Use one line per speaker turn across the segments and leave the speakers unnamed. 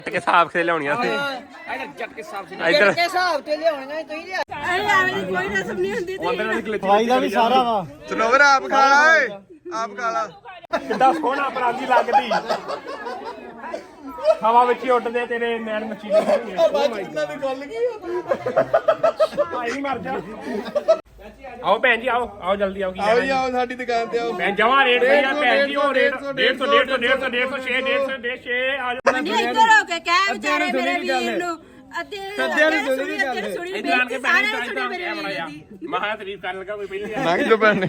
के हिसाब से लियाउणियां सी
जट के हिसाब से
इधर
के हिसाब ते लियाउणियां तुई लिया
अरे यार कोई रसम नहीं हुंदी
भाई का भी सारा वा
सनोवर आप खा ला ਓਏ ਆਪ ਖਾ ਲਾ
कितना सोहना परांदी लगदी हवा विच ही उड़दे तेरे नैन मच्छी दे
ਇਹਨਾਂ ਦੀ ਗੱਲ ਕੀ
भाई मर जा आओ भैन जी आओ आओ जल्दी आओ
ਆਓ ਜੀ ਆਓ ਸਾਡੀ ਦੁਕਾਨ ਤੇ ਆਓ
भैन जमा रेट है यार भैन जी ओ रेट 150 150 6 150 आ जाओ
इधर हो के क्या बेचारे मेरे वीर नु अद्धे सुनी
इधर आके भैन जी महा तारीफ करन लगा कोई पहले
ਲੰਘ ਜੋ ਭੈਣ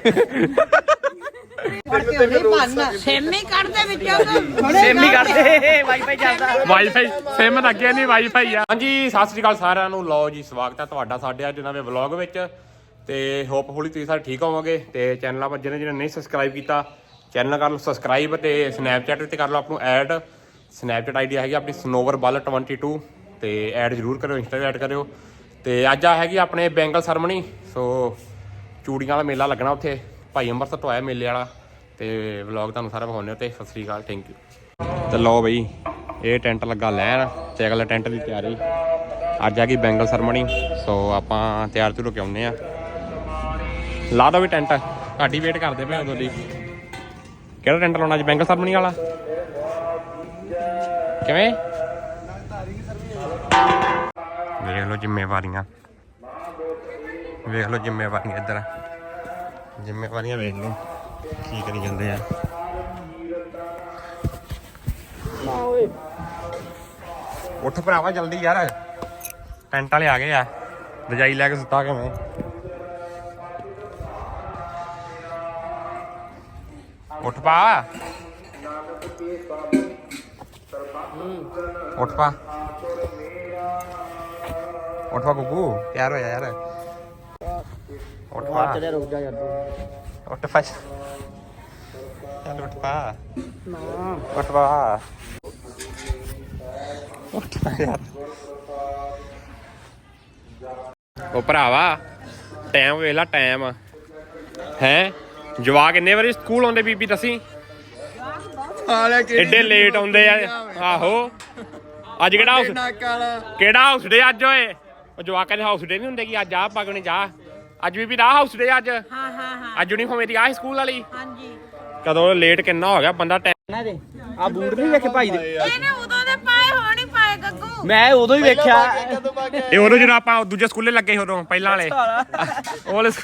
सेमी कर दे विचों
सेमी कर दे वाईफाई ਚੱਲਦਾ
ਵਾਈਫਾਈ ਸਿਮ ਲੱਗਿਆ ਨਹੀਂ ਵਾਈਫਾਈ ਆ ਹਾਂਜੀ ਸਤਿ ਸ੍ਰੀ ਅਕਾਲ ਸਾਰਿਆਂ ਨੂੰ ਲਓ ਜੀ ਸਵਾਗਤ ਹੈ ਤੁਹਾਡਾ ਸਾਡੇ ਅੱਜ ਨਵੇਂ ਵਲੌਗ ਵਿੱਚ ਤੇ ਹੋਪਫੁਲੀ ਤੁਸੀਂ ਸਾਰੇ ਠੀਕ ਹੋਵੋਗੇ ਤੇ ਚੈਨਲ ਆਪਾਂ ਜਿਹਨੇ ਨਹੀਂ ਸਬਸਕ੍ਰਾਈਬ ਕੀਤਾ ਚੈਨਲ ਕਰ ਲਓ ਸਬਸਕ੍ਰਾਈਬ ਤੇ ਸਨੈਪਚੈਟ ਤੇ ਕਰ ਲਓ ਆਪ ਨੂੰ ਐਡ ਸਨੈਪਚੈਟ ਆਈਡੀ ਹੈਗੀ ਆਪਣੀ snowverball22 ਤੇ ਐਡ ਜ਼ਰੂਰ ਕਰਿਓ ਇੰਸਟਾ ਤੇ ਐਡ ਕਰਿਓ ਤੇ ਅੱਜ ਆ ਹੈਗੀ ਆਪਣੇ ਬੈਂਗਲ ਸਰਮਣੀ ਸੋ ਚੂੜੀਆਂ ਵਾਲਾ ਮੇਲਾ ਲੱਗਣਾ ਉੱਥੇ ਭਾਈ ਅੰਮ੍ਰਿਤਸਰ ਤੋਂ ਆਇਆ ਮੇਲੇ ਵਾਲਾ ਤੇ ਵਲੌਗ ਤੁਹਾਨੂੰ ਸਾਰਾ ਵਿਖਾਉਂਦੇ ਤੇ ਸਤਿ ਸ੍ਰੀ ਅਕਾਲ ਥੈਂਕ ਯੂ ਤੇ ਲਓ ਬਈ ਇਹ ਟੈਂਟ ਲੱਗਾ ਲੈਣ ਤੇ ਅਗਲੇ ਟੈਂਟ ਦੀ ਤਿਆਰੀ ਅੱਜ ਆ ਗਈ ਬੈਂਗਲ ਸਰਮਣੀ ਸੋ ਆਪਾਂ ਤਿਆਰ ਤੁਰ ਕੇ ਆਉਂਦੇ ਆ ਲਾ ਦੋ ਵੀ ਟੈਂਟ ਤੁਹਾਡੀ ਵੇਟ ਕਰਦੇ ਪਏ ਉਦੋਂ ਦੀ ਕਿਹੜਾ ਟੈਂਟ ਲਾਉਣਾ ਅੱਜ ਬੈਂਗਲ ਸਰਮਣੀ ਵਾਲਾ ਕਿਵੇਂ ਵੇਖ ਲਓ ਜ਼ਿੰਮੇਵਾਰੀਆਂ ਇੱਧਰ ਜ਼ਿੰਮੇਵਾਰੀਆਂ ਵੇਖ ਲਓ ਕੀ ਕਰੀ ਜਾਂਦੇ ਆ ਉੱਠ ਭਰਾਵਾ ਜਲਦੀ ਯਾਰ ਟੈਂਟ ਵਾਲੇ ਆ ਗਏ ਆ ਰਜਾਈ ਲੈ ਕੇ ਸੁੱਤਾ ਕਿਵੇਂ ਉੱਠ ਪਾ ਗੁੱਗੂ ਤਿਆਰ ਹੋਇਆ ਯਾਰ ਉੱਠ ਪਾ
चले रुक जा यार
ਉੱਠ ਪਾ ਚੱਲ ਉੱਠ ਪਾ ਯਾਰ ਉਹ ਭਰਾਵਾ ਟਾਈਮ ਵੇਲਾ ਟਾਈਮ ਹੈ ਜਵਾਕ ਕਿੰਨੇ ਵਾਰੀ ਸਕੂਲ ਆਉਂਦੇ ਬੀਬੀ ਦੱਸੀ ਐਡੇ ਲੇਟ ਆਉਂਦੇ ਆ ਆਹੋ ਅੱਜ ਕਿਹੜਾ ਹਾਊਸ ਡੇ ਅੱਜ ਓਏ ਉਹ ਜਵਾਕਾਂ ਦੇ ਹਾਊਸ ਡੇ ਨਹੀਂ ਹੁੰਦੇ ਕਿ ਅੱਜ ਆ ਪਗਣੀ ਜਾ ਅੱਜ ਵੀ ਦਾ ਹਾਊਸ ਡੇ ਅੱਜ
ਹਾਂ
ਅੱਜ ਯੂਨੀਫਾਰਮ ਮੇਰੀ ਆ ਸਕੂਲ ਵਾਲੀ
ਹਾਂਜੀ
ਕਦੋਂ ਲੇਟ ਕਿੰਨਾ ਹੋ ਗਿਆ ਬੰਦਾ
ਨਾ ਦੇ ਆ ਬੂਟ ਨਹੀਂ ਵੇਖੇ ਭਾਈ ਦੇ
ਇਹਨੇ ਉਦੋਂ ਦੇ ਪਾਏ ਹੋਣ ਹੀ ਪਾਏ ਗੱਗੂ
ਮੈਂ ਉਦੋਂ ਹੀ ਵੇਖਿਆ
ਇਹ ਉਦੋਂ ਜਦੋਂ ਆਪਾਂ ਦੂਜੇ ਸਕੂਲੇ ਲੱਗੇ ਉਦੋਂ ਪਹਿਲਾਂ ਵਾਲੇ ਉਹ ਵਾਲੇ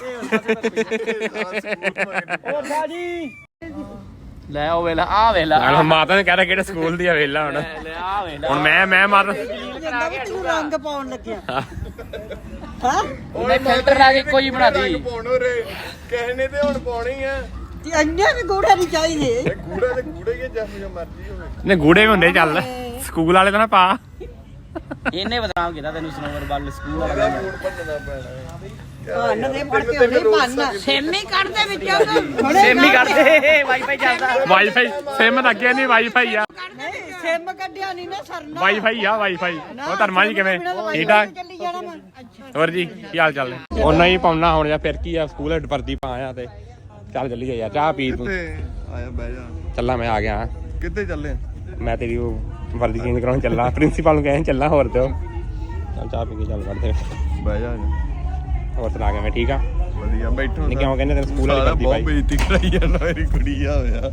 ਉਹ ਬਾਜੀ ਲੈ ਉਹ ਵੇਲਾ ਆ ਵੇਲਾ
ਮਾਤਾ ਨੇ ਕਹਿਆ ਕਿਹੜੇ ਸਕੂਲ ਦੀ ਆ ਵੇਲਾ ਹੁਣ
ਲੈ ਆ ਵੇਲਾ
ਹੁਣ ਮੈਂ ਮਾਰ
ਤੂੰ ਰੰਗ ਪਾਉਣ ਲੱਗਿਆ
ਉਹਨੇ ਫਿਲਟਰ ਲਾ ਕੇ ਕੋਈ ਬਣਾ ਦੀ
ਪਾਉਣੋ ਰੇ ਕਿਸੇ ਨੇ ਤੇ ਹੁਣ ਪਾਉਣੀ ਆ
ਤੇ ਅੰਨੇ ਵੀ ਗੂੜਾ ਨਹੀਂ ਚਾਹੀਦੇ
ਗੂੜਾ ਤੇ ਗੂੜੇ ਹੀ ਜਿਹਾ ਮਰਜ਼ੀ ਹੋਵੇ
ਨੇ ਗੂੜੇ ਵੀ ਹੁੰਦੇ ਚੱਲ ਸਕੂਲ ਵਾਲੇ ਤਾਂ ਨਾ ਪਾ
ਇਹਨੇ ਬਦਨਾਮ ਕੀਤਾ ਤੈਨੂੰ ਸਨੋਵਰਬਲ ਸਕੂਲ ਵਾਲਾ
ਮੂਡ ਭੰਨਣਾ ਪੈਣਾ
ਭੰਨ ਦੇ ਫੜ ਕੇ ਨਹੀਂ ਭੰਨ ਸੇਮੀ ਕੱਢ ਦੇ ਵਿੱਚੋਂ
ਸੇਮੀ ਕਰਦੇ ਵਾਈਫਾਈ ਚੱਲਦਾ
ਵਾਈਫਾਈ ਸਿਮ ਲੱਗਿਆ ਨਹੀਂ ਵਾਈਫਾਈ ਆ
ਸਿਮ ਕੱਢਿਆ ਨਹੀਂ ਨਾ ਸਰਨਾ
ਵਾਈਫਾਈ ਆ ਵਾਈਫਾਈ ਉਹ ਧਰਮਾ ਜੀ ਕਿਵੇਂ ਠੀਕ ਠਾਕ
ਚੱਲੀ ਜਾਣਾ ਮੈਂ ਅੱਛਾ
ਹੋਰ ਜੀ ਕੀ ਹਾਲ ਚਾਲ ਨੇ ਉਹਨਾਂ ਹੀ ਪਾਉਣਾ ਹੁਣ ਜਾਂ ਫਿਰ ਕੀ ਆ ਸਕੂਲ ਹੈਡ ਵਰਦੀ ਪਾਇਆ ਤੇ ਚੱਲ ਚੱਲੀਏ ਯਾਰ ਚਾਹ ਪੀ ਤੂੰ
ਆਇਆ ਬਹਿ ਜਾ
ਚੱਲਾਂ ਮੈਂ ਆ ਗਿਆ
ਕਿੱਥੇ ਚੱਲੇ
ਮੈਂ ਤੇਰੀ ਉਹ ਵਰਦੀ ਚੇਂਜ ਕਰਾਉਣ ਚੱਲਾ ਪ੍ਰਿੰਸੀਪਲ ਨੂੰ ਕਹਿਣ ਚੱਲਾ ਹੋਰ ਤੇ ਚੱਲ ਚਾਹ ਪੀ ਕੇ ਚੱਲ ਕਰਦੇ
ਬਹਿ ਜਾ
ਹੋਰ ਸੁਣਾ ਕੇ ਮੈਂ ਠੀਕ ਆ
ਵਧੀਆ ਬੈਠੋ
ਨਹੀਂ ਕਿਉਂ ਕਹਿੰਦੇ ਤੈਨੂੰ ਸਕੂਲ ਵਾਲੀ ਵਰਦੀ
ਬਹੁਤ
ਪਾਈ
ਬੇਇੱਜ਼ਤੀ ਕਰਾਈ ਜਾਂਦਾ ਮੇਰੀ ਕੁੜੀ ਆ ਹੋਇਆ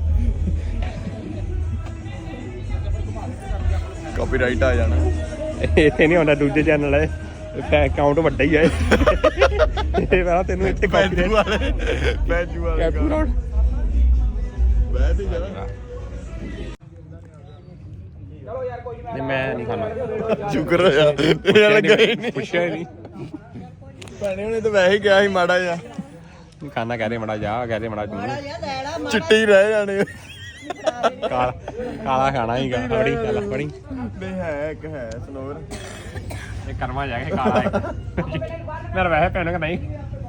ਕਾਪੀਰਾਈਟ ਆ ਜਾਣਾ
ਇੱਥੇ ਨਹੀਂ ਹੁੰਦਾ ਦੂਜੇ ਚੈਨਲ ਹੈ ਅਕਾਊਂਟ ਵੱਡਾ ਹੀ ਹੈ ਇਹ ਪਹਿਲਾਂ ਤੈਨੂੰ ਇੱਥੇ ਕਾਪੀਰਾਈਟ
ਬੈਜੂ ਵਾਲੇ
ਕੈਪੂ ਰੋਡ
ਬਹਿ ਤੇ ਜਾ
ਨਹੀਂ ਮੈਂ ਨਹੀਂ ਖਾਣਾ
ਸ਼ੁਕਰ ਹੋਇਆ ਤੇਰਾ ਲੱਗਾ ਹੀ ਨਹੀਂ
ਪੁੱਛਿਆ ਹੀ ਨਹੀਂ
ਭੈਣੇ ਉਹਨੇ ਤਾਂ ਵੈਸੇ ਹੀ ਕਿਹਾ ਸੀ ਮਾੜਾ ਜਿਹਾ
ਖਾਣਾ ਕਹਿ ਰਹੇ ਮੜਾ ਜਾ ਕਹਿ ਰਹੇ ਮੜਾ ਤੂੰ
ਚਿੱਟੇ ਹੀ ਰਹਿ ਜਾਣੇ
ਕਾਲਾ ਖਾਣਾ ਹੀਗਾ ਬੜੀ ਚੱਲ ਬੜੀ
ਨਹੀਂ ਹੈ ਇੱਕ ਹੈ ਸਨੋਵਰ
ਇਹ ਕਰਮਾ ਜਾ ਕੇ ਕਾਲਾ ਹੈ ਮੇਰਾ ਵੈਸੇ ਪੈਣਾ ਕਿ ਨਹੀਂ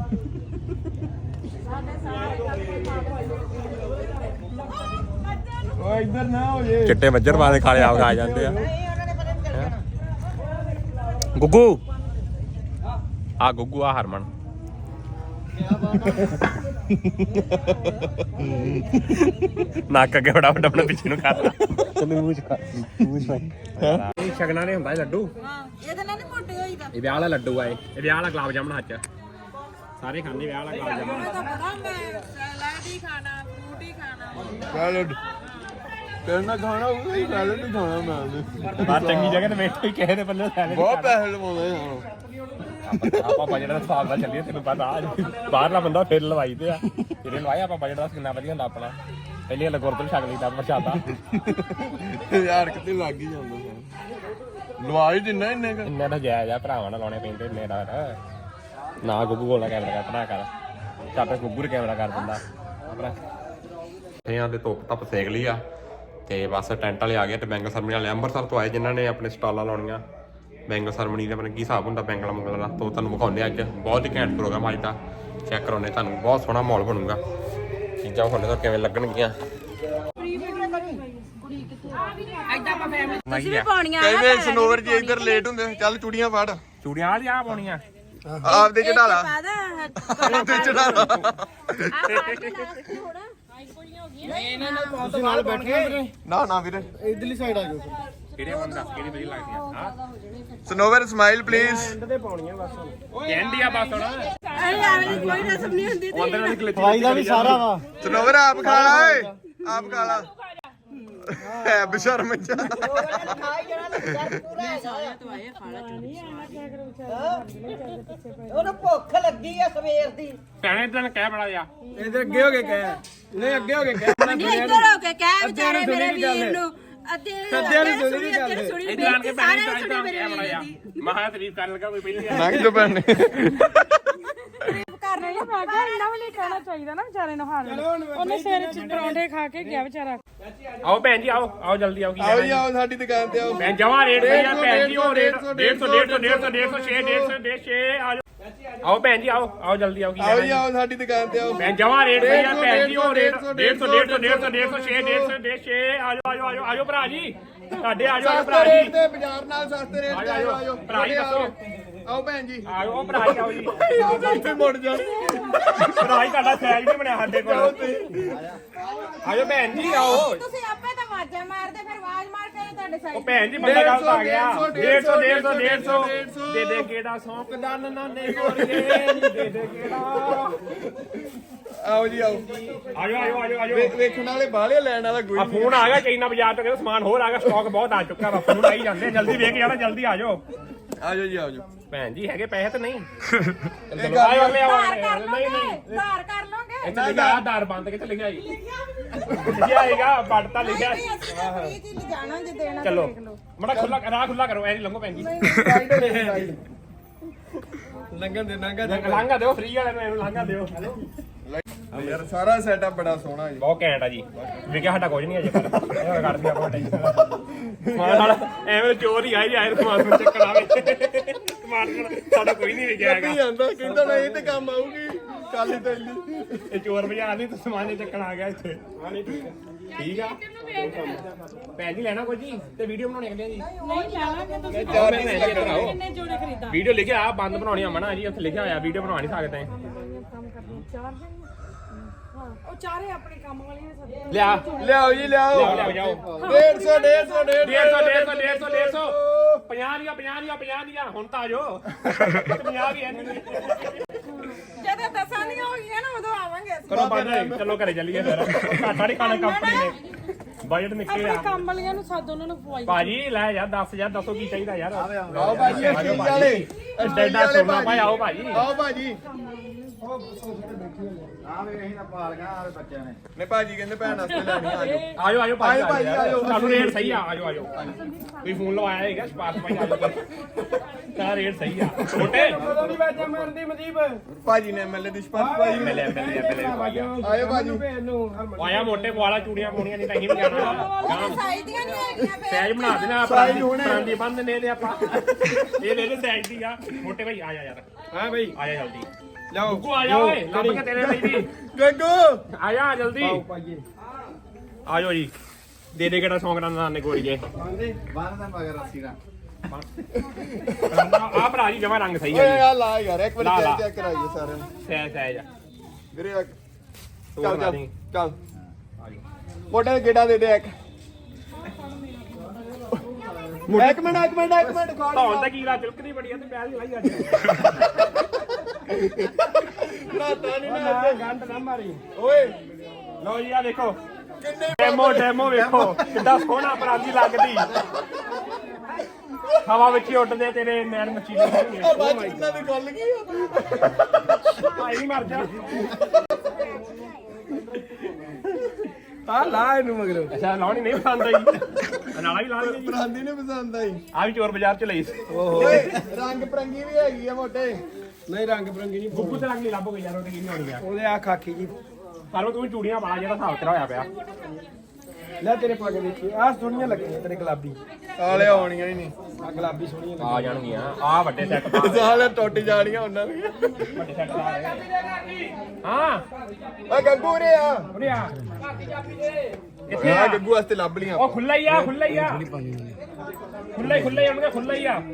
ਓ ਇੱਧਰ ਨਾ ਹੋ ਜੇ
ਚਿੱਟੇ ਮੱਝਰ ਵਾਲੇ ਖਾਲੇ ਆ ਜਾਂਦੇ ਆ ਗੁੱਗੂ ਆ ਗੁੱਗੂ ਆ ਹਰਮਨ ਨੱਕ ਅੱਗੇ ਬੜਾ ਵੱਡਾ ਪਿੱਛੇ ਨੂੰ ਕਰ ਤੈਨੂੰ ਮੂੰਹ ਚ ਸ਼ਗਨਾਂ ਦੇ ਹੁੰਦਾ ਇਹ ਲੱਡੂ
ਹਾਂ ਇਹਦੇ ਨਾਲ ਨਹੀਂ ਮੋਟੇ ਹੋਈਦਾ
ਇਹ ਵਿਆਹ ਵਾਲਾ ਲੱਡੂ ਆ ਇਹ ਵਿਆਹ ਵਾਲਾ ਗੁਲਾਬ ਜਾਮਣ ਹੱਥ ਸਾਰੇ ਖਾਂਦੇ ਵਿਆਹ ਵਾਲਾ ਗੁਲਾਬ ਜਾਮਣ
ਤਾਂ ਪਤਾ ਮੈਂ ਸੈਲਡ ਹੀ ਖਾਣਾ ਫਰੂਟ ਹੀ ਖਾਣਾ
ਸੈਲਡ ਕਰਨਾ ਖਾਣਾ ਉਹ ਹੀ ਸੈਲਡ ਹੀ ਖਾਣਾ ਮੈਂ
ਬਾਹਰ ਚੰਗੀ ਜਗ੍ਹਾ ਤੇ ਬੈਠੇ ਕਿਸੇ ਦੇ ਪੱਲੇ ਸੈਲਡ
ਬਹੁਤ ਪੈਸੇ ਲਵਾਉਂਦੇ ਹਾਂ
ਆਪਾਂ ਜਿਹੜਾ ਹਿਸਾਬ ਨਾਲ ਚੱਲੀਏ ਤੈਨੂੰ ਪਤਾ ਬਾਹਰਲਾ ਬੰਦਾ ਫਿਰ ਲਵਾਈ ਤੇ ਆ ਤੇਰੇ ਲਵਾਇਆ ਆਪਾਂ ਬਜਟ ਦਾ ਕਿੰਨਾ ਵਧੀਆ ਹੁੰਦਾ ਆਪਣਾ ਪਹਿਲੇ ਗੁਰਦੁਆਰੇ ਛਕ ਲਈਦਾ ਪ੍ਰਸ਼ਾਦਾ
ਯਾਰ ਕਿਤੇ ਲੱਗ ਹੀ ਜਾਂਦਾ ਸਰ ਲਵਾ ਹੀ ਦਿੰਨਾ ਇੰਨੇ ਕ
ਇੰਨੇ ਤਾਂ ਜਾਇਜ਼ ਆ ਭਰਾਵਾਂ ਨਾਲ ਲਾਉਣੇ ਪੈਂਦੇ ਇੰਨੇ ਦਾ ਨਾ ਗੁੱਗੂ ਕੋਲ ਕੈਮਰਾ ਕਰ ਕਰ ਚੱਟ ਗੁੱਗੂ ਦੇ ਕੈਮਰਾ ਕਰ ਦਿੰਦਾ ਆਪਣਾ ਇਹਨਾਂ ਦੇ ਧੁੱਪ ਧੱਪ ਸੇਕ ਲਈ ਆ ਤੇ ਬਸ ਟੈਂਟ ਵਾਲੇ ਆ ਗਏ ਤੇ ਬੈਂਗਲ ਸਰਮਨੀ ਵਾਲੇ ਅੰਮ੍ਰਿਤਸਰ ਤੋਂ ਆਏ ਜਿਨ੍ਹਾਂ ਨੇ ਆਪਣੇ ਸਟਾਲਾਂ ਲਾਉਣੀਆਂ ਬੈਂਗਲ ਸਰਮਨੀ ਦਾ ਆਪਣੇ ਕੀ ਹਿਸਾਬ ਹੁੰਦਾ ਬੈਂਗਲ ਮੰਗਲ ਦਾ ਤੋਂ ਤੁਹਾਨੂੰ ਵਿਖਾਉਂਦੇ ਅੱਜ ਬਹੁਤ ਹੀ ਘੈਂਟ ਪ੍ਰੋਗਰਾਮ ਅੱਜ ਦਾ ਚੈੱਕ ਕਰਾਉਂਦੇ ਤੁਹਾਨੂੰ ਬਹੁਤ ਸੋਹਣਾ ਮਾਹੌਲ ਬਣੂਗਾ ਚੀਜ਼ਾਂ ਵਿਖਾਉਂਦੇ ਤਾਂ ਕਿਵੇਂ ਲੱਗਣਗੀਆਂ
ਤੁਸੀਂ ਵੀ ਪਾਉਣੀਆਂ
ਕਈ ਵੇ ਸਨੋਵਰ ਜੀ ਇੱਧਰ ਲੇਟ ਹੁੰਦੇ ਚੱਲ ਚੂੜੀਆਂ ਫੜ
ਚੂੜੀਆਂ ਵਾਲੀ ਆ ਪਾਉਣੀਆਂ
ਆਪਦੇ ਚੜਾ ਲਾ
ਪਾਦਾ
ਉਹਦੇ ਚੜਾ ਲਾ
ਤੁਸੀਂ ਨਾਲ ਬੈਠੇ
ਨਾ ਵੀਰੇ
ਇਧਰਲੀ ਸਾਈਡ ਆ ਜਾਓ
ਕਿਹੜੇ ਬੰਦਾ ਕਿਹੜੀ ਵਧੀਆ ਲੱਗਦੀਆਂ ਹਾਂ
ਸਨੋਵਰ ਸਮਾਈਲ ਪਲੀਜ਼
ਐਂਡ ਤੇ ਪਾਉਣੀਆਂ ਬਸ
ਕਹਿੰਦੀ ਆ ਬਸ ਹੁਣ
ਅਰੇ ਆਵੇਂ ਕੋਈ ਰਸਮ ਨਹੀਂ ਹੁੰਦੀ ਤੇ
ਅੰਦਰ ਵਾਲੀ ਕਲਿੱਪ
ਦਵਾਈ ਦਾ ਵੀ ਸਾਰਾ ਵਾ
ਸਨੋਵਰ ਆਪ ਖਾ ਲਾ ਓਏ ਆਪ ਖਾ ਲਾ ਹੈ ਬਸ਼ਰਮ ਜਾ
ਉਹਨੂੰ ਭੁੱਖ ਲੱਗੀ ਆ ਸਵੇਰ ਦੀ
ਭੈਣੇ ਤੈਨੂੰ ਕਹਿ ਬੜਾ ਜਾ
ਇਧਰ ਅੱਗੇ ਹੋ ਕੇ ਕਹਿ ਨਹੀਂ ਅੱਗੇ ਹੋ ਕੇ ਕਹਿ
ਨਹੀਂ ਇੱਧਰ ਹੋ ਕੇ ਕਹਿ ਵਿਚਾਰੇ ਮੇਰੇ ਵੀਰ ਨੂੰ ਅੱਧੇ ਸੁਣੀ
ਇਧਰ ਆਣ ਕੇ ਭੈਣੇ ਤਾਂ ਕਹਿ ਬੜਾ ਜਾ ਮਹਾ ਤਾਰੀਫ ਕਰਨ ਲੱਗਾ ਕੋਈ ਪਹਿਲੀ ਆ
ਲੰਘ ਜੋ ਭੈਣੇ
ਕਰ ਰਹੀ ਮੈਂ ਕਿਹਾ ਇੰਨਾ ਵੀ ਨਹੀਂ ਕਹਿਣਾ ਚਾਹੀਦਾ ਨਾ ਵਿਚਾਰੇ ਨੂੰ ਹਾਲ ਉਹਨੇ ਸਿਰ ਚ ਪਰੌਂਠੇ ਖਾ ਕੇ ਗਿਆ ਵਿਚਾਰਾ
ਆਓ ਭੈਣ ਜੀ ਆਓ ਜਲਦੀ ਆਓ ਕੀ
ਆਓ ਜੀ ਆਓ ਸਾਡੀ ਦੁਕਾਨ ਤੇ ਆਓ
ਮੈਂ ਜਮਾ ਰੇਟ ਸਹੀ ਆ ਭੈਣ ਜੀ ਉਹ ਰੇਟ 150 ਆਓ ਭੈਣ ਜੀ ਆਓ ਜਲਦੀ ਆਓ ਕੀ
ਆਓ ਜੀ ਆਓ ਸਾਡੀ ਦੁਕਾਨ ਤੇ ਆਓ
ਮੈਂ ਜਮਾ ਰੇਟ ਸਹੀ ਆ ਭੈਣ ਜੀ ਉਹ ਰੇਟ 150 ਆਜੋ ਭਰਾ ਜੀ ਸਾਡੇ ਆਜੋ ਭਰਾ
ਸਸਤੇ ਰੇਟ
ਜੀ
ਤੇ ਬਾਜ਼ਾਰ ਨਾਲ ਸਸਤੇ ਰੇਟ ਤੇ ਆਓ ਆਓ
ਭਰਾ ਜੀ ਦੱਸੋ
ਆਓ ਭੈਣ ਜੀ
ਆਓ ਭਰਾ ਜੀ ਆਓ ਜੀ
ਇੱਥੇ ਮੁੜ ਜਾ
ਭਰਾ ਜੀ ਤੁਹਾਡਾ ਸਾਈਜ਼ ਨਹੀਂ ਬਣਿਆ ਸਾਡੇ ਕੋਲ ਆਜੋ ਭੈਣ ਜੀ ਆਓ
ਤੁਸੀਂ ਆਪੇ ਤਾਂ ਆਵਾਜ਼ਾਂ ਮਾਰਦੇ ਫਿਰ ਆਵਾਜ਼ ਮਾਰ ਕੇ ਤੁਹਾਡੇ
ਉਹ
ਸਾਈਡ
ਭੈਣ ਜੀ ਬੰਦਾ ਗਲਤ ਆ ਗਿਆ
150
ਦੇ ਦੇ ਕਿਹੜਾ ਸੌਂਕਦਾ ਨਾਨੇ ਗੋਰੀਏ ਦੇ ਦੇ ਕਿਹੜਾ
ਆਓ ਜੀ ਆਓ
ਆਜੋ
ਵੇਖਣ ਵਾਲੇ ਬਾਹਲੇ ਲੈਣ ਵਾਲਾ ਕੋਈ
ਆ ਫੋਨ ਆ ਗਿਆ ਚਾਈਨਾ ਬਾਜ਼ਾਰ ਤੋਂ ਕਹਿੰਦਾ ਸਮਾਨ ਹੋਰ ਆ ਗਿਆ ਸਟਾਕ ਬਹੁਤ ਆ ਚੁੱਕਾ ਵਾ ਫੋਨ ਆਈ ਜਾਂਦੇ ਜਲਦੀ ਵੇਖ ਜਾਣਾ ਜਲਦੀ ਆਜੋ
ਆਜੋ ਜੀ ਆਜੋ
ਭੈਣ ਜੀ ਹੈਗੇ ਪੈਸੇ ਤਾਂ ਨਹੀਂ
ਇਹ
ਚਲੋ ਆਇਓ ਲੈ ਆਓ
ਧਾਰ ਕਰ
ਨਹੀਂ
ਲੋਗੇ ਧਾਰ ਕਰ ਲੋਗੇ
ਇੱਥੇ ਲਿਖਿਆ ਆਧਾਰ ਬੰਦ ਕਿੱਥੇ ਲਿਖਿਆ ਜੀ ਲਿਖਿਆ ਹੈਗਾ ਬੱਟ ਤਾਂ ਲਿਖਿਆ
ਫ੍ਰੀ ਚ ਲਿਜਾਣਾ ਜੇ ਦੇਣਾ ਤਾਂ
ਚਲੋ
ਦੇਖ ਲਓ
ਮੜਾ ਖੁੱਲਾ ਰਾਹ ਖੁੱਲਾ ਕਰੋ ਐ ਨਹੀਂ ਲੰਘੋ ਭੈਣ ਜੀ
ਲੰਘਣ ਦੇ ਲੰਘਾ
ਲਾਂਘਾ ਦਿਓ ਫ੍ਰੀ ਵਾਲੇ ਨੂੰ ਇਹਨੂੰ ਲਾਂਘਾ ਦਿਓ
ਯਾਰ ਸਾਰਾ ਸੈਟਅਪ ਬੜਾ ਸੋਹਣਾ ਜੀ
ਬਹੁਤ ਘੈਂਟ ਆ ਜੀ ਵਿਕਿਆ ਸਾਡਾ ਕੁਝ ਨਹੀਂ ਅਜੇ ਪਰ ਇਹ ਕੱਢਦੀ ਆਪਾਂ ਟੈਨਸ਼ਨ ਸਮਾਨ ਨਾਲ ਐਵੇਂ ਚੋਰ ਹੀ ਆਏ ਆਏ ਸਮਾਨ ਨੂੰ ਚੱਕਣ ਆਵੇ ਸਮਾਨ ਸਾਡਾ ਕੋਈ ਨਹੀਂ ਵਿਕਿਆ ਹੈਗਾ
ਜਾਂਦਾ ਕਹਿੰਦਾ ਨਾ ਇਹ ਤੇ ਕੰਮ ਆਊਗੀ ਕੱਲ ਹੀ ਤੈਨੂੰ
ਇਹ ਚੋਰ ਬਾਜ਼ਾਰ ਨਹੀਂ ਤਾਂ ਸਮਾਨ ਹੀ ਚੱਕਣ ਆ ਗਿਆ ਇੱਥੇ ਠੀਕ ਆ ਭੈਣ ਜੀ ਲੈਣਾ ਕੁਝ ਜੀ ਤੇ ਵੀਡੀਓ ਬਣਾਉਣੀ ਕਹਿੰਦੇ ਜੀ
ਨਹੀਂ ਲੈਣਾ ਤੁਸੀਂ ਕਿੰਨੇ ਜੋੜੇ ਖਰੀਦਾ
ਵੀਡੀਓ ਲਿਖਿਆ ਆ ਬੰਦ ਬਣਾਉਣੀ ਆ ਮਨਾ ਜੀ ਉੱਥੇ ਲਿਖਿਆ ਹੋਇਆ ਵੀਡੀਓ ਬਣਾ ਨਹੀਂ ਸਕਦੇ
ਕੰਮ ਕਰਨੀ 4 ਦਿਨ ਹਾਂ ਉਹ ਚਾਰੇ ਆਪਣੇ ਕੰਮ ਵਾਲੀਆਂ ਨੇ ਸਭ
ਲਿਆ
ਲਿਆਓ ਜੀ ਲਿਆਓ
ਲਿਆਓ ਜਾਓ
150 50 ਦੀਆਂ
ਹੁਣ ਤਾਂ ਆ ਜਾਓ 50 ਵੀ ਐ
ਜਦੋਂ ਦਸਾਂ ਦੀਆਂ ਹੋ ਗਈਆਂ ਨਾ ਉਦੋਂ ਆਵਾਂਗੇ ਅਸੀਂ
ਕਰੋ ਬੰਦ ਚਲੋ ਘਰੇ ਚੱਲੀਏ ਫਿਰ ਘਾਟਾ ਨਹੀਂ ਖਾਣਾ ਕੰਪਨੀ ਨੇ ਬਜਟ ਨਿਕਲਿਆ
ਆਪਣੇ ਕੰਮ ਵਾਲੀਆਂ ਨੂੰ ਸੱਦ ਉਹਨਾਂ ਨੂੰ ਪਵਾਈ
ਭਾਜੀ ਲੈ ਯਾਰ 10000 ਦੱਸੋ ਕੀ ਚਾਹੀਦਾ ਯਾਰ
ਆਓ ਭਾਜੀ ਸਟੀਲ ਵਾਲੇ
ਐਡਾ ਸੋਨਾ ਭਾਈ ਆਓ ਭਾਜੀ
ਆਓ ਭਾਜੀ ਨੇ ਭਾਜੀ ਕਹਿੰਦੇ ਭੈਣ ਵਾਸਤੇ ਲੈਣੀ ਆਜੋ
ਆਜੋ ਭਾਜੀ
ਆਜੋ ਭਾਜੀ, ਆਜੋ।
ਤੁਹਾਨੂੰ ਰੇਟ ਸਹੀ ਆ ਆਜੋ ਕੋਈ ਫੋਨ ਲਵਾਇਆ ਹੈਗਾ ਸਪਾਰਕ ਭਾਈ ਆਜੋ ਤਾਂ ਰੇਟ ਸਹੀ ਆ ਛੋਟੇ
ਨਹੀਂ ਵਾਜਾ ਮਾਰਦੀ ਮਦੀਪ
ਭਾਜੀ ਨੇ ਐਮਐਲਏ ਦੀ ਸਪਾਰਕ ਭਾਜੀ
ਮਿਲਿਆ
ਆਇਓ ਭਾਜੀ
ਆਇਆ ਮੋਟੇ ਪਵਾਲਾ ਚੂੜੀਆਂ ਪਾਉਣੀਆਂ ਨਹੀਂ ਤਾਂ ਅਸੀਂ ਵੀ ਜਾਣਾ
ਸਾਈ ਦੀਆਂ ਨਹੀਂ ਹੈਗੀਆਂ ਫੇਰ
ਸੈਜ ਬਣਾ ਦੇਣਾ ਆਪਾਂ ਪ੍ਰਾਂਦੀ ਬੰਦ ਨੇ ਤੇ ਆਪਾਂ ਇਹ ਲੈ ਲੈ ਸੈਜ ਦੀ ਆ ਮੋਟੇ ਭਾਈ ਆ ਜਾ ਯਾਰ
ਹਾਂ ਬਈ
ਆ ਜਾ ਜਲਦੀ
ਲਿਆਓ
ਗੁੱਗੂ ਆ ਜਾ ਓਏ ਲੱਭ ਕੇ ਤੇਰੇ ਲਈ ਵੀ
ਗੱਗੂ
ਆ ਜਾ ਜਲਦੀ
ਪਾਈਏ
ਆ ਜਾਓ ਜੀ ਦੇ ਦੇ ਕਿਹੜਾ ਸੌਂਗ ਦਾ ਨੇ ਗੋਰੀਏ
ਬੰਦੇ ਬੰਦ ਦਾ ਮਗਰ ਅਸੀਂ ਦਾ
ਆ ਭਰਾ ਜੀ ਜਮਾ ਰੰਗ ਸਹੀ
ਓਏ
ਹੈ
ਆ ਲਾ ਯਾਰ ਇੱਕ
ਲਾ,
ਵਾਰੀ
ਲਾ।
ਚੈੱਕ ਕਰਾਈਏ ਸਾਰਿਆਂ ਨੂੰ
ਸਹਿਜ
ਵੀਰੇ ਚੱਲ
ਤੋੜ
ਚੱਲ
ਦੀ।
ਚੱਲ ਮੋਟੇ ਗੇੜਾ ਦੇ ਦੇ ਇੱਕ
ਇੱਕ ਮਿੰਟ
ਧੌਣ ਤੇ ਕੀੜਾ ਚੁਲਕਦੀ ਬੜੀ ਆ ਤੇ ਪੈਲ ਨਹੀਂ ਲਾਈ ਅੱਜ
ਰਾਤਾ ਨਹੀਂ ਨਾ
ਗੰਢ ਨਾ ਮਾਰੀ
ਓਏ
ਲਓ ਜੀ ਆ ਦੇਖੋ ਡੈਮੋ ਵੇਖੋ ਕਿੱਦਾਂ ਸੋਹਣਾ ਪਰਾਂਦੀ ਲੱਗਦੀ ਹਵਾ ਵਿੱਚ ਹੀ ਉੱਡਦੇ ਤੇਰੇ ਨੈਣ ਮੱਛੀ ਦੇ
ਬਾਅਦ ਕਿੰਨਾ ਦੀ ਗੱਲ ਕੀ
ਭਾਈ ਨਹੀਂ ਮਰ ਜਾ
ਆ ਲਾ ਇਹਨੂੰ ਮਗਰ
ਅੱਛਾ ਲਾਉਣੀ ਨਹੀਂ ਪਸੰਦ ਆਈ ਨਾਲਾ ਵੀ ਲਾ ਲਈ ਜੀ
ਬਰਾਂਦੀ ਨੇ ਪਸੰਦ ਆਈ
ਆ ਵੀ ਚੋਰ ਬਾਜ਼ਾਰ ਚ ਲਈ ਸੀ
ਓਏ ਰੰਗ ਪਰੰਗੀ ਵੀ ਹੈਗੀ ਆ ਮੋਟੇ ਨਹੀਂ ਰੰਗ ਪਰੰਗੀ ਨਹੀਂ
ਗੁੱਗੂ ਤੇ ਰੰਗ ਨਹੀਂ ਲੱਭੋਗੇ ਯਾਰ ਉਹਦੇ ਕੀ ਨਹੀਂ ਹੋਣੀ ਆ
ਉਹਦੇ ਆ ਖਾਕੀ ਜੀ
ਪਰ ਤੂੰ ਚੂੜੀਆਂ ਪਾ ਜਿਹੜਾ ਹਿਸਾਬ ਤੇਰਾ ਹੋਇਆ ਪਿਆ
ਲੈ ਤੇਰੇ ਪਾ ਕੇ ਦੇਖੀ ਆਹ ਸੋਹਣੀਆਂ ਲੱਗੀਆਂ ਤੇਰੇ ਗੁਲਾਬੀ ਆਲੇ ਆਉਣੀਆਂ ਹੀ ਨਹੀਂ ਆ ਗੁਲਾਬੀ ਸੋਹਣੀਆਂ
ਆ ਜਾਣਗੀਆਂ ਆ ਵੱਡੇ ਸੈੱਟ ਪਾ
ਸਾਲੇ ਟੁੱਟ ਜਾਣੀਆਂ ਉਹਨਾਂ ਦੀਆਂ
ਵੱਡੇ ਸੈੱਟ ਲਾ ਰਹੇ ਹਾਂ
ਓਏ ਗੱਗੂ ਰੇ ਆ
ਉਰੇ ਆ
ਇੱਥੇ ਆ ਗੱਗੂ ਵਾਸਤੇ ਲੱਭ ਲੀਆਂ
ਉਹ ਖੁੱਲਾ ਹੀ ਆ ਖੁੱਲਾ ਹੀ ਉਹਨੇ ਖੁੱਲਾ ਹੀ ਆ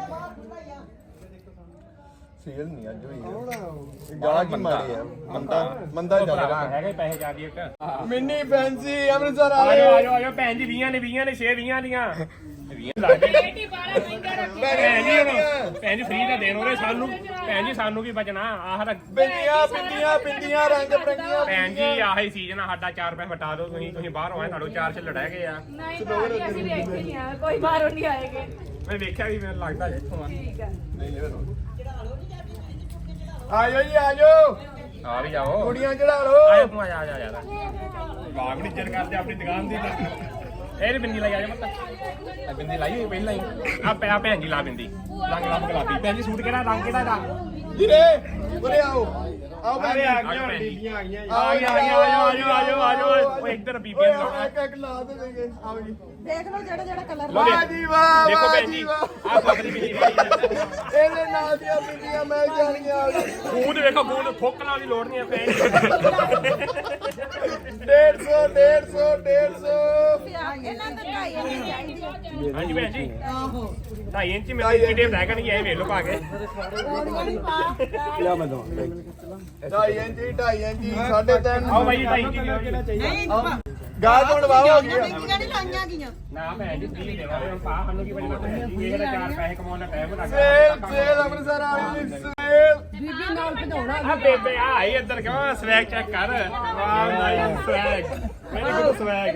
ਸੇਲ ਨਹੀਂ ਅੱਜ ਹੋਈ ਗਾਹ ਕੀ ਮਾਰੀ ਆ ਮੰਦਾ ਚੱਲਦਾ
ਹੈਗੇ ਪੈਸੇ ਜ਼ਿਆਦੀ ਇੱਕ
ਮਿੰਨੀ ਫੈਂਸੀ ਅੰਮ੍ਰਿਤਸਰ ਆ
ਆਜੋ ਭੈਣ ਜੀ 20 ਨੇ 6 20 ਦੀਆਂ 20 ਲੱਗਦੇ ਭੈਣ ਜੀ ਫ੍ਰੀ ਦਾ ਦੇਣ ਉਹਨੇ ਸਾਨੂੰ ਭੈਣ ਜੀ ਸਾਨੂੰ ਕੀ ਬਚਣਾ ਆਹ
ਬਿੰਦੀਆਂ ਰੰਗ ਬਰੰਗੀਆਂ
ਭੈਣ ਜੀ ਆਹੀ ਸੀਜ਼ਨ ਆ ਸਾਡਾ 4 ਪੈਸੇ ਵਟਾ ਦਿਓ ਤੁਸੀਂ ਬਾਹਰ ਆਏ ਤੁਹਾਡੇ 4 ਛੱਲ ਰਹਿ ਗਏ ਆ
ਨਹੀਂ ਭਾਜੀ ਅਸੀਂ ਵੇਖੇ ਨਹੀਂ ਆ ਕੋਈ ਬਾਹਰੋਂ ਨਹੀਂ ਆਏਗੇ
ਮੈਂ ਵੇਖਿਆ ਵੀ ਮੈਨੂੰ ਲੱਗਦਾ ਇੱਥੋਂ ਆ
ਠੀਕ ਆ
ਆਜੋ ਜੀ ਆਜੋ
ਆ ਵੀ ਜਾਓ
ਕੁੜੀਆਂ ਚੜਾ ਲੋ
ਆਜੋ ਤੂੰ ਆ ਜਾ ਯਾਰ ਬਾਗ ਨਹੀਂ ਚੜ ਕਰਦੇ ਆਪਣੀ ਦੁਕਾਨ ਦੀ ਇਹ ਬਿੰਦੀ ਲਾਈ ਆ ਜਾ ਮਤ ਬਿੰਦੀ ਲਾਈ ਹੋਈ ਪਹਿਲਾਂ ਹੀ ਆ ਪਿਆ ਭੈਣ ਜੀ ਲਾ ਬਿੰਦੀ ਰੰਗ ਲੱਭ ਗੁਲਾਬੀ ਭੈਣ ਜੀ ਸੂਟ ਕਿਹੜਾ ਰੰਗ ਕਿਹੜਾ ਦਾ
ਵੀਰੇ ਉਰੇ ਆਓ ਆਓ
ਅਰੇ ਆ ਗਈਆਂ
ਬੀਬੀਆਂ ਆ ਗਈਆਂ
ਆਜੋ ਓਏ ਇੱਧਰ ਬੀਬੀਆਂ ਨੂੰ ਲਾਉਣਾ
ਇੱਕ ਲਾ ਦੇ ਦੇਗੇ ਆਓ ਜੀ
ਦੇਖ ਲਓ ਜਿਹੜਾ ਕਲਰ
ਵਾਹ ਜੀ ਵਾਹ
ਦੇਖੋ
ਵਾਹ
ਭੈਣ
ਜੀ
ਜੀ
ਵਾਹ
ਆ ਫਸਲੀ ਬਿੰਦੀ
ਇਹਦੇ ਨਾਲ ਦੀਆਂ ਬੀਬੀਆਂ ਮੈਂ ਜਾਣੀਆਂ
ਖੂਨ ਵੇਖੋ ਖੂਨ ਠੋਕਣਾ ਦੀ ਲੋੜ ਨਹੀਂ ਹੈ ਭੈਣ
150
ਇਹਨਾਂ ਦਾ ਢਾਈ ਇੰਚ ਚਾਹੀਦੀ ਆ।
ਹਾਂਜੀ ਭੈਣ ਜੀ 2.5 ਇੰਚ ਮੇਰੇ ਕਿਡੇ ਰਹਿ ਗਏ ਨਹੀਂ ਇਹ ਵੇਖ ਲਓ ਪਾ ਕੇ
ਲਿਆ ਮੈਂ ਦਵਾ 2.5 ਇੰਚੀ 3.5
ਆਓ ਬਾਈ 2.5 ਇੰਚ ਦਿਓ ਜੀ
ਗਾਹ ਕੋਣ ਵਾਹ ਹੋ ਗਈ
ਨਹੀਂ ਲਾਈਆਂ ਗਈਆਂ
ਨਾ ਭੈਣ ਜੀ ਫ੍ਰੀ ਦੇਵਾਂਗੇ ਹੁਣ ਪਾ ਸਾਨੂੰ ਕੀ ਬਚਣਾ ਭੈਣ ਜੀ ਇਹ ਤਾਂ 4 ਪੈਸੇ ਕਮਾਉਣ ਦਾ ਟਾਈਮ ਲੱਗ
ਸੇਲ ਅੰਮ੍ਰਿਤਸਰ ਵਾਲੀ ਸੇਲ
ਬੀਬੀ ਨਾਲ ਭਜਾਉਣਾ
ਆ ਬੇਬੇ ਆ ਆਈ ਇੱਧਰ ਕਿਉਂ ਸਵੈਗ ਚੈੱਕ ਕਰ ਵਾਹ nice swag very good swag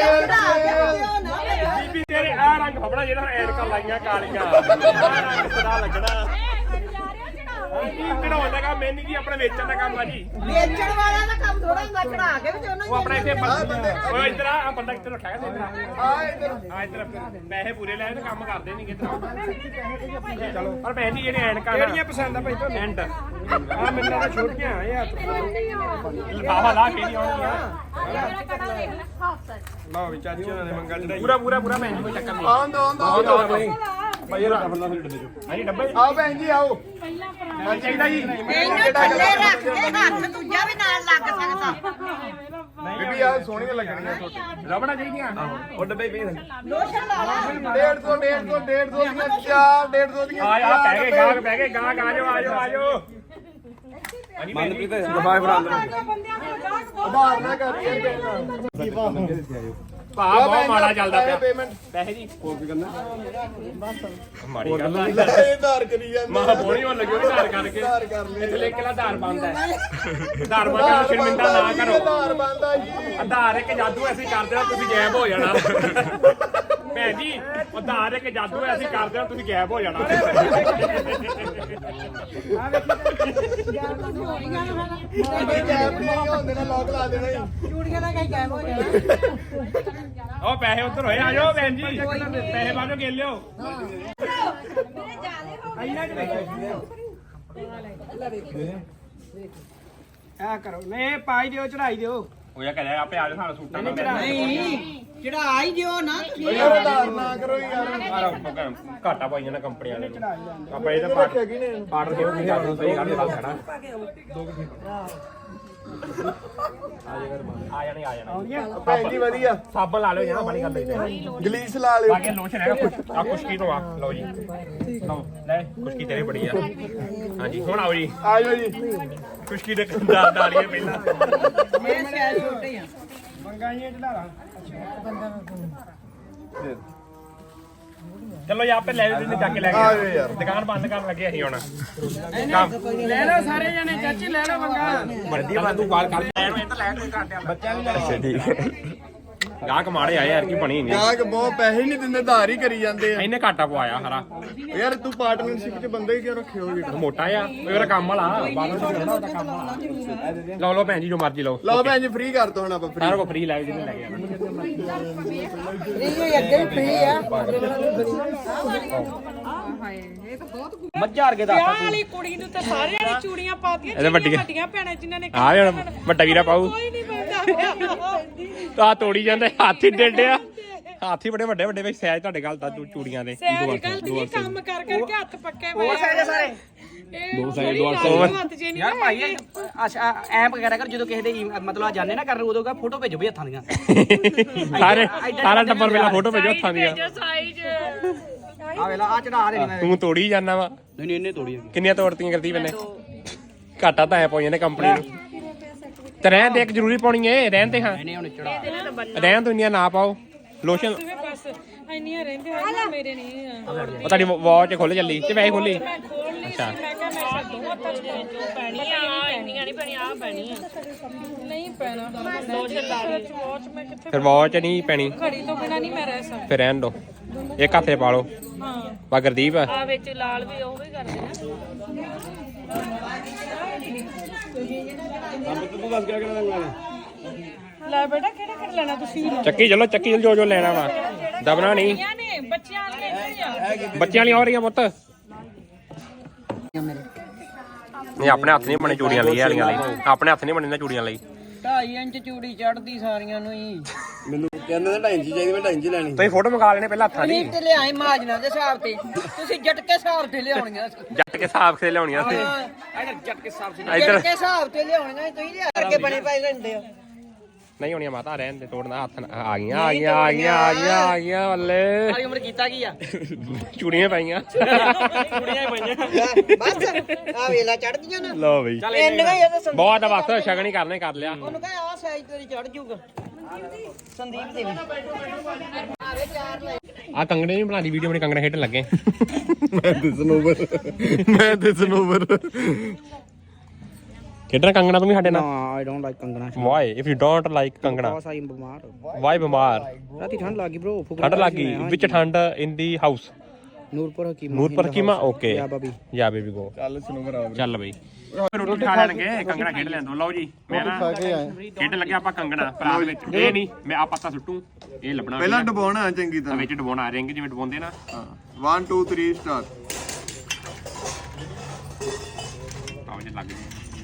ਬੀਬੀ ਤੇਰੇ ਆ ਰੰਗ ਫਬੜਾ ਜਿਹੜਾ ਐਨਕਾਂ ਲਾਈਆਂ ਕਾਲੀਆਂ ਆ ਰੰਗ ਸਦਾ ਲੱਗਣਾ ਕੀ ਕਢਾਉਣ ਦਾ ਕੰਮ ਮੈਨੀ ਜੀ ਆਪਣਾ ਵੇਚਣ ਦਾ ਕੰਮ ਆ ਜੀ
ਵੇਚਣ ਵਾਲਿਆਂ ਦਾ ਕੰਮ ਥੋੜਾ ਹੁੰਦਾ ਚੜਾ ਕੇ ਤੇ ਉਹਨਾਂ
ਉਹ ਆਪਣਾ ਇੱਥੇ ਉਹ ਇੱਧਰ ਆ ਬੰਦਾ ਇੱਧਰ ਰੱਖਿਆ ਗਿਆ ਇੱਧਰ ਆ ਇੱਧਰ ਪੈਸੇ ਪੂਰੇ ਲੈ ਤੇ ਕੰਮ ਕਰਦੇ ਨਹੀਂ ਕਿਧਰ ਚਲੋ ਪਰ ਭੈਣ ਜੀ ਜਿਹੜੇ ਐਨਕਾਂ
ਕਿਹੜੀਆਂ ਪਸੰਦ ਆ ਭਾਈ ਤੁਹਾਨੂੰ
ਐਂਡ
ਆ ਮੈਨੂੰ ਤਾਂ ਛੋਟੀਆਂ ਆ ਇਹ
ਲਿਫਾਫਾ ਲਾ ਕੇ ਨਹੀਂ ਆਉਣਗੀਆਂ
ਲਓ ਵੀ ਚਾਚੀ ਉਹਨਾਂ ਨੇ ਮੰਗਾ ਚੜਾਈ
ਪੂਰਾ ਭੈਣ ਜੀ ਕੋਈ ਚੱਕਰ ਨਹੀਂ
ਆਉਂਦਾ
ਭਾਈ ਇਹ ਬੰਦਾ ਫਿਰ ਡੱਬੇ ਚੋਂ ਹਾਂਜੀ ਡੱਬੇ
ਆਓ ਭੈਣ ਜੀ ਆਓ
ਹਾਂ ਚਾਹੀਦਾ ਜੀ
ਇਹਨੂੰ ਥੱਲੇ ਰੱਖ ਕੇ ਹੱਥ ਦੂਜਾ ਵੀ ਨਾਲ ਲੱਗ ਸਕਦਾ
ਬੀਬੀ ਆ ਸੋਹਣੀਆਂ ਲੱਗਣੀਆਂ ਛੋਟੀਆਂ
ਰਬੜਾ ਚਾਹੀਦੀਆਂ ਉਹ ਡੱਬੇ ਪਏ
ਲੋਸ਼ਨ ਲਾ ਲਾ
150 ਦੀਆਂ 4 150 ਦੀਆਂ
ਆ ਪੈ ਗਏ ਗਾਹਕ ਆਜੋ ਹਾਂਜੀ ਮਨਪ੍ਰੀਤ
ਦਫਾਏ ਫਰਾਂ
ਬੰਦਿਆਂ ਕੋਲ ਗਾਹਕ
ਉਧਾਰ ਨਾ ਕਰੀ
ਭਾ ਬਹੁਤ ਮਾੜਾ ਚੱਲਦਾ ਪਿਆ
ਪੇਮੈਂਟ
ਪੈਸੇ ਜੀ ਹੋਰ ਕੀ ਕਰਨਾ ਮਾੜੀ ਗੱਲ
ਇਹ ਉਧਾਰ ਕਰੀ ਜਾਂਦੇ
ਮਾਂ ਬੋਣੀ ਹੋਣ ਲੱਗੀ ਉਹ ਧਾਰ ਕਰਕੇ
ਉਧਾਰ ਕਰ ਲੈ
ਇੱਥੇ ਲਿਖ ਕੇ ਲਾ ਧਾਰ ਬੰਦ ਹੈ ਧਾਰ ਬੰਦ ਕਰ ਸ਼ਰਮਿੰਦਾ ਨਾ ਕਰੋ
ਉਧਾਰ ਬੰਦਾ ਜੀ
ਆਧਾਰ ਇੱਕ ਜਾਦੂ ਐਸੀ ਕਰਦੇ ਹੋ ਤੁਸੀਂ ਗਾਇਬ ਹੋ ਜਾਣਾ ਭੈਣ ਜੀ ਆਧਾਰ ਇੱਕ ਜਾਦੂ ਐਸੀ ਕਰਦੇ ਹੋ ਤੁਸੀਂ ਗਾਇਬ ਹੋ ਜਾਣਾ
ਕੋਈ ਗੈਪ ਨਹੀਂ ਹੁੰਦੇ ਨਾ ਲੋਕ ਲਾ ਦੇਣਾ ਜੀ
ਚੂੜੀਆਂ ਦਾ ਕਈ ਗਾਇਬ ਹੋ ਜਾਣਾ
ਉਹ ਪੈਸੇ ਉੱਧਰ ਹੋਏ ਆਜੋ ਭੈਣ ਜੀ ਪੈਸੇ ਬਾਜੋ ਗੇ ਲਿਓ
ਆ ਕਰੋ ਨਹੀਂ ਪਾਈ ਦਿਓ ਚੜਾਈ ਦਿਓ
ਉਹ ਇਹ ਕਰਿਆ ਆਪੇ ਆਜੋ ਸਾਨੂੰ ਸੂਟਾਂ ਦਾ
ਨਹੀਂ ਚੜਾ ਹੀ ਦਿਓ ਨਾ
ਯਾਰ ਉਧਾਰ ਨਾ ਕਰੋ ਯਾਰ
ਘਾਟਾ ਪਾਈ ਜਾਣਾ ਕੰਪਨੀ ਵਾਲੇ ਨੂੰ ਆਪਾਂ ਇਹ ਤਾਂ ਆਰਡਰ ਕਿਉਂ ਨਹੀਂ ਕਰਦੇ ਸਹੀ ਗੱਲ ਦੱਸ ਖੜਾ ਆ ਜਾਣਾ
ਭੈਣ ਜੀ ਵਧੀਆ
ਸਾਬਣ ਲਾ ਲਿਓ ਜਣਾ ਬੜੀ ਗੱਲ ਹੈ
ਗਲੀਸ ਲਾ ਲਿਓ
ਬਾਕੀ ਲੋਸ਼ਨ ਹੈਗਾ ਆ ਖੁਸ਼ਕੀ ਤੋਂ ਆ ਲਓ ਜੀ ਲਓ ਲੈ ਖੁਸ਼ਕੀ ਤੇਰੇ ਬੜੀ ਆ ਹਾਂਜੀ ਹੁਣ ਆਓ ਜੀ
ਆਜੋ ਜੀ
ਖੁਸ਼ਕੀ ਦੇ ਕੰਦਾਰ ਡਾਲੀਏ ਪਹਿਲਾਂ
ਮੇਰੇ ਸਿਰ ਛੋਟੇ ਆ
ਮੰਗਾਈਆਂ ਚੜਾ ਲਾ
ਚਲੋ ਜੀ ਆਪੇ ਲੈ ਲੈਣੇ ਚੱਕ ਕੇ ਲੈ ਗਏ ਯਾਰ ਦੁਕਾਨ ਬੰਦ ਕਰਨ ਲੱਗੇ ਅਸੀਂ ਹੁਣ
ਲੈ ਲਓ ਸਾਰੇ ਜਣੇ ਚਾਚੀ ਲੈ ਲਓ ਮੰਗਾ
ਵੱਡੀ ਬੰਦ ਤੂੰ ਗੱਲ ਕਰ ਲੈ ਨੂੰ ਇਹ ਤਾਂ ਲੈ ਕੇ ਕਰਦੇ ਬੱਚਿਆਂ ਨੂੰ ਅੱਛਾ ਠੀਕ ਗਾਹਕ ਮਾੜੇ ਆਏ ਯਾਰ ਕੀ ਬਣੀ ਨਹੀਂ
ਗਾਹਕ ਬਹੁਤ ਪੈਸੇ ਨਹੀਂ ਦਿੰਦੇ ਧਾਰ ਹੀ ਕਰੀ ਜਾਂਦੇ ਆ
ਇਹਨੇ ਘਾਟਾ ਪਵਾਇਆ ਹਰਾ
ਯਾਰ ਤੂੰ ਪਾਰਟਨਰਸ਼ਿਪ 'ਚ ਬੰਦੇ ਹੀ ਕਿਉਂ ਰੱਖੇ ਹੋਗੇ
ਮੋਟਾ ਆ ਮੇਰਾ ਕੰਮ ਵਾਲਾ ਲਓ ਲਓ ਭੈਣ ਜੀ ਜੋ ਮਰਜ਼ੀ ਲਓ
ਲਓ ਭੈਣ ਜੀ ਫ੍ਰੀ ਕਰ ਦੋ ਹੁਣ ਆਪਾਂ
ਸਾਰਾ ਕੋ ਫ੍ਰੀ ਲੈ ਜਿਹਨੇ ਲੈ ਗਿਆ
ਮੱਝਾਰ ਕੇ ਦੱਸ
ਵਿਆਹ ਵਾਲੀ ਕੁੜੀ ਨੂੰ ਤਾਂ ਸਾਰਿਆਂ ਨੇ ਚੂੜੀਆਂ ਪਾਤੀਆਂ
ਇਹਦੇ ਵੱਡੀਆਂ
ਵੱਡੀਆਂ ਭੈਣਾਂ ਜਿਨ੍ਹਾਂ ਨੇ
ਆ ਹੁਣ ਵੱਡਾ ਵੀਰਾ ਪਾਉ
ਕੋਈ ਨਹੀਂ ਬੰਦਾ
ਤਾਂ ਤੋੜੀ ਜਾਂਦੇ ਹੱਥ ਹੀ ਡੇਡਿਆ ਹੱਥ ਹੀ ਬੜੇ ਵੱਡੇ ਵੱਡੇ ਵਿੱਚ ਸਾਈਜ਼ ਤੁਹਾਡੇ ਗੱਲ ਤਾਂ ਚੂੜੀਆਂ ਦੇ
ਸੈਰ ਗੱਲ ਦੀ ਕੰਮ ਕਰ ਕਰਕੇ ਹੱਥ ਪੱਕੇ ਹੋਏ ਸਾਰੇ
ਦੋ ਸਾਈਜ਼ ਦੋ
ਹੱਥ ਜੇ ਨਹੀਂ
ਯਾਰ ਭਾਈ ਅੱਛਾ ਐਪ ਵਗੈਰਾ ਕਰ ਜਦੋਂ ਕਿਸੇ ਦੇ ਮਤਲਬ ਆ ਜਾਂਦੇ ਨਾ ਕਰਨ ਉਦੋਂ ਕਾ ਫੋਟੋ ਭੇਜੋ ਵੀ ਹੱਥਾਂ ਦੀਆਂ
ਸਾਰਾ ਟੱਬਰ ਮੇਰਾ ਫੋਟੋ ਭੇਜੋ ਹੱਥਾਂ ਦੀਆਂ
ਸਾਈਜ਼
ਆ ਵੇਲਾ ਆ ਚੜਾ ਦੇ ਮੈਂ
ਤੂੰ ਤੋੜੀ ਜਾਂਦਾ ਵਾ
ਨਹੀਂ ਇਹਨੇ ਤੋੜੀ
ਕਿੰਨੀਆਂ ਤੋੜਤੀਆਂ ਕਰਦੀ ਮੈਨੇ ਘਾਟਾ ਤਾਂ ਐ ਪਾਈਆਂ ਨੇ ਕੰਪਨੀ ਨੂੰ ਤੇ ਰਹਿਣ ਦੇ ਇੱਕ ਜ਼ਰੂਰੀ ਪਾਉਣੀ ਏ ਰਹਿਣ ਤੇ ਹਾਂ
ਇਹਨੇ ਹੁਣ ਚੜਾ
ਰਹਿਣ ਤੋਂ ਇੰਨੀਆਂ ਨਾ ਪਾਓ ਲੋਸ਼ਨ
ਬਸ ਇੰਨੀਆਂ ਰਹਿੰਦੇ ਆ ਮੇਰੇ ਨਹੀਂ ਆ
ਉਹ ਤੁਹਾਡੀ ਵਾਚ ਖੁੱਲ ਚੱਲੀ ਤੇ ਵੈਸੇ ਖੁੱਲੀ
ਮੈਂ ਖੋਲ ਲਈ ਸੀ ਮੈਂ ਕਿਹਾ ਮੇਰੇ ਸਾਥ ਦੋ ਹੱਥਾਂ ਚ ਜੋ ਪੈਣੀ ਆ ਇੰਨੀਆਂ ਨਹੀਂ ਪੈਣੀ ਆ ਪੈਣੀ ਆ ਨਹੀਂ ਪੈਣਾ ਲੋਸ਼ਨ ਲਾ ਲਈ ਵਾਚ ਮੈਂ ਕਿੱਥੇ
ਫਿਰ ਵਾਚ ਨਹੀਂ ਪੈਣੀ
ਘੜੀ ਤੋਂ ਬਿਨਾ ਨਹੀਂ ਮੈਂ ਰਹਿ ਸਕਦੀ
ਫਿਰ ਰਹਿਣ ਦੋ ਇੱਕ ਹੱਥੇ ਪਾ ਲਓ
ਹਾਂ
ਬਾ ਗੁਰਦੀਪ
ਆ ਵਿੱਚ ਲਾਲ ਵੀ ਉਹ ਵੀ ਕਰਦੇ ਲੈ ਬੇਟਾ ਕਿਹੜਾ ਕਰ ਲੈਣਾ ਤੁਸੀਂ
ਚੱਕੀ ਚਲੋ ਚੱਕੀ ਜੋ ਜੋ ਲੈਣਾ ਵਾ ਦਬਣਾ ਨਹੀਂ
ਨੇ ਬੱਚਿਆਂ ਵਾਲੀਆਂ
ਬੱਚਿਆਂ ਵਾਲੀਆਂ ਹੋ ਰਹੀਆਂ ਪੁੱਤ ਨਹੀਂ ਆਪਣੇ ਹੱਥ ਨਹੀਂ ਬਣੇ ਚੂੜੀਆਂ ਲਈ ਵਾਲੀਆਂ ਲਈ ਆਪਣੇ ਹੱਥ ਨਹੀਂ ਬਣੇ ਨਾ ਚੂੜੀਆਂ ਲਈ
2.5 ਇੰਚ ਚੂੜੀ ਚੜਦੀ ਸਾਰੀਆਂ ਨੂੰ ਹੀ
ਮੈਨੂੰ ਕਹਿੰਦੇ ਨੇ 2.5 ਇੰਚ ਚਾਹੀਦੀ ਮੈਂ 2.5 ਇੰਚ ਲੈਣੀ
ਤੁਸੀਂ ਫੋਟੋ ਮੰਗਾ ਲੈਣੇ ਪਹਿਲਾਂ ਹੱਥਾਂ ਦੀ
ਤੇ ਲਿਆਏ ਮਾਜਨਾ ਦੇ ਹਿਸਾਬ ਤੇ ਤੁਸੀਂ ਜਟਕੇ ਹਿਸਾਬ ਤੇ ਲਿਆਉਣੀਆਂ
ਜੱਟ ਕੇ ਹਿਸਾਬ ਸੇ ਲਿਆਉਣੀਆਂ ਸੀ
ਇਧਰ ਜਟਕੇ ਹਿਸਾਬ ਤੇ
ਇੱਧਰ
ਜਟਕੇ ਹਿਸਾਬ ਤੇ ਲਿਆਉਣੀਆਂ ਤੁਸੀਂ ਲਿਆ ਕਰਕੇ ਬਣੇ ਪਾਈ ਲੈਂਦੇ ਹੋ
ਨਹੀਂ ਹੋਣੀਆਂ ਮਾਤਾ ਰਹਿਣ ਦੇ ਤੋੜਨਾ ਹੱਥ ਆ ਗਈਆਂ ਆ ਗਈਆਂ ਆ ਗਈਆਂ ਆ ਗਈਆਂ ਆ ਗਈਆਂ ਬੱਲੇ
ਸਾਰੀ ਉਮਰ ਕੀਤਾ ਕੀ ਆ
ਚੂੜੀਆਂ ਪਾਈਆਂ
ਕੁੜੀਆਂ ਹੀ ਪਈਆਂ
ਬਸ ਆ ਵੇਲਾ ਚੜਦੀਆਂ ਨਾ
ਲਓ ਬਈ
ਇੰਨੀਆਂ ਹੀ ਆ ਤਾਂ
ਬਹੁਤ ਆ ਬਸ ਸ਼ਗਨ ਹੀ ਕਰਨੇ ਕਰ ਲਿਆ
ਉਹਨੂੰ ਕਹ ਆ ਸਾਈਜ਼ ਤੇਰੀ ਚੜ ਜੂਗਾ ਸੰਦੀਪ ਦੇ ਵੀ
ਆ ਕੰਗਣੇ ਨਹੀਂ ਬਣਾ ਦੀ ਵੀਡੀਓ ਬਣੀ ਕੰਗਣਾ ਖੇਡਣ ਲੱਗੇ
ਮੈਂ ਤੇ ਸਨੋਵਰ
ਖੇਡਣਾ ਕੰਗਣਾ ਤੂੰ ਵੀ ਸਾਡੇ ਨਾਲ
I don't like Kangana
why if you don't like Kangana
ਸਾਈ ਬਿਮਾਰ
ਵਾਈ ਬਿਮਾਰ
ਰਾਤੀ ਠੰਡ ਲੱਗੀ bro
ਠੰਡ ਲੱਗੀ ਵਿੱਚ ਠੰਡ ਇਨ ਦੀ ਹਾਊਸ
ਨੂਰਪੁਰ ਹਕੀਮ
ਨੂਰਪੁਰ ਕੀਮਾ ਓਕੇ
ਯਾ ਬਾਬੀ
ਜਾ ਬੇਬੀ ਗੋ
ਚੱਲ ਸਨੋਵਰ ਆ
ਚੱਲ ਬਈ ਰੋਟੀ ਖਾ ਲੈਣਗੇ ਕੰਗਣਾ ਖੇਡ ਲੈਣ ਦੋ ਲਓ ਜੀ ਮੈਂ ਨਾ ਖੇਡ ਲੱਗਿਆ ਆਪਾਂ ਕੰਗਣਾ ਭਰਾ ਵਿੱਚ ਇਹ ਨਹੀਂ ਮੈਂ ਆ ਪੱਤਾ ਸੁੱਟੂ ਇਹ ਲੱਭਣਾ
ਪਹਿਲਾਂ ਡਬਾਉਣਾ ਚੰਗੀ ਤਰ੍ਹਾਂ
ਵਿੱਚ ਡਬਾਉਣਾ ਰਿੰਗ ਜਿਵੇਂ ਡਬਾਉਂਦੇ ਨਾ
ਹਾਂ 1 2 3 ਸਟਾਰਟ
ਆਹ ਜੇ ਲੱਗ ਜੇ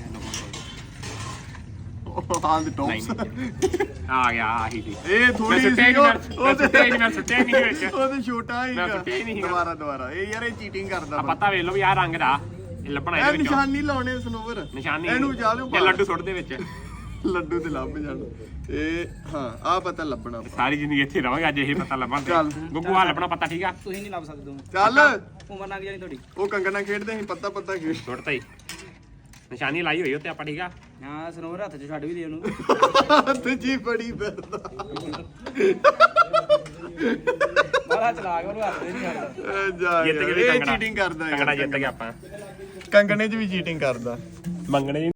ਹਾਂ ਦੇ ਟੌਪਸ
ਆ ਗਿਆ ਆਹੀ ਸੀ
ਇਹ ਥੋੜੀ
ਸੁੱਟਿਆ
ਸੀ
ਮੈਂ ਸੁੱਟਿਆ ਨਹੀਂ ਵਿੱਚ
ਉਹਦੇ ਛੋਟਾ
ਮੈਂ
ਹੀਗਾ
ਸੁੱਟਿਆ ਹੀ ਨਹੀਂ ਸੀਗਾ।
ਦੁਬਾਰਾ ਇਹ ਯਾਰ ਇਹ ਚੀਟਿੰਗ ਕਰਦਾ
ਆ ਪੱਤਾ ਵੇਖ ਲਓ ਵੀ ਆਹ ਰੰਗ ਦਾ ਇਹ ਲੱਭਣਾ
ਇਹ
ਇਹਦੇ ਵਿੱਚੋਂ
ਨਿਸ਼ਾਨੀ ਲਾਉਣੇ ਸਨੋਵਰ
ਨਿਸ਼ਾਨੀ
ਇਹਨੂੰ ਜਾ ਲਿਓ
ਇਹ ਲੱਡੂ ਸੁੱਟ ਦੇ ਵਿੱਚ
ਲੱਡੂ ਤੇ ਲੱਭ ਜਾਣ ਇਹ ਹਾਂ ਆ ਪਤਾ ਲੱਭਣਾ
ਸਾਰੀ ਜ਼ਿੰਦਗੀ ਇੱਥੇ ਰਵਾਂਗੇ ਅੱਜ ਇਹ ਪਤਾ ਲੱਭਣ
ਚੱਲ।
ਤੇ ਗੁੱਗੂ ਆ ਲੱਭਣਾ ਪਤਾ ਠੀਕ ਆ
ਤੁਸੀਂ ਨਹੀਂ ਲੱਭ ਸਕਦੇ ਹੋ
ਚੱਲ
ਉਮਰ ਲੰਘ ਜਾਣੀ ਤੁਹਾਡੀ
ਉਹ ਕੰਗਣਾ ਖੇਡਦੇ ਸੀ ਪੱਤਾ ਖੇਡ
ਸੁੱਟਤਾ ਹੀ ਨਿਸ਼ਾਨੀ ਲਾਈ ਹੋਈ ਉੱਤੇ ਆਪਾਂ ਠੀਕ ਆ
ਹਾਂ ਸਨੋਵਰ ਹੱਥ 'ਚ ਛੱਡ ਵੀ ਦੇ ਉਹਨੂੰ
ਹੱਥ ਜੀ ਬੜੀ ਫਿਰਦਾ
ਬੜਾ ਚਲਾਕ ਉਹਨੂੰ ਹੱਥ ਨਹੀਂ ਛੱਡਦਾ
ਜਾ
ਜਿੱਤ
ਯਾਰ,
ਗਏ
ਇਹ
ਕੰਗਣਾ
ਚੀਟਿੰਗ ਕਰਦਾ
ਕੰਗਣਾ ਜਿੱਤ ਗਿਆ ਆਪਾਂ
ਕੰਗਣੇ 'ਚ ਵੀ ਚੀਟਿੰਗ ਕਰਦਾ
ਮੰਗਣੇ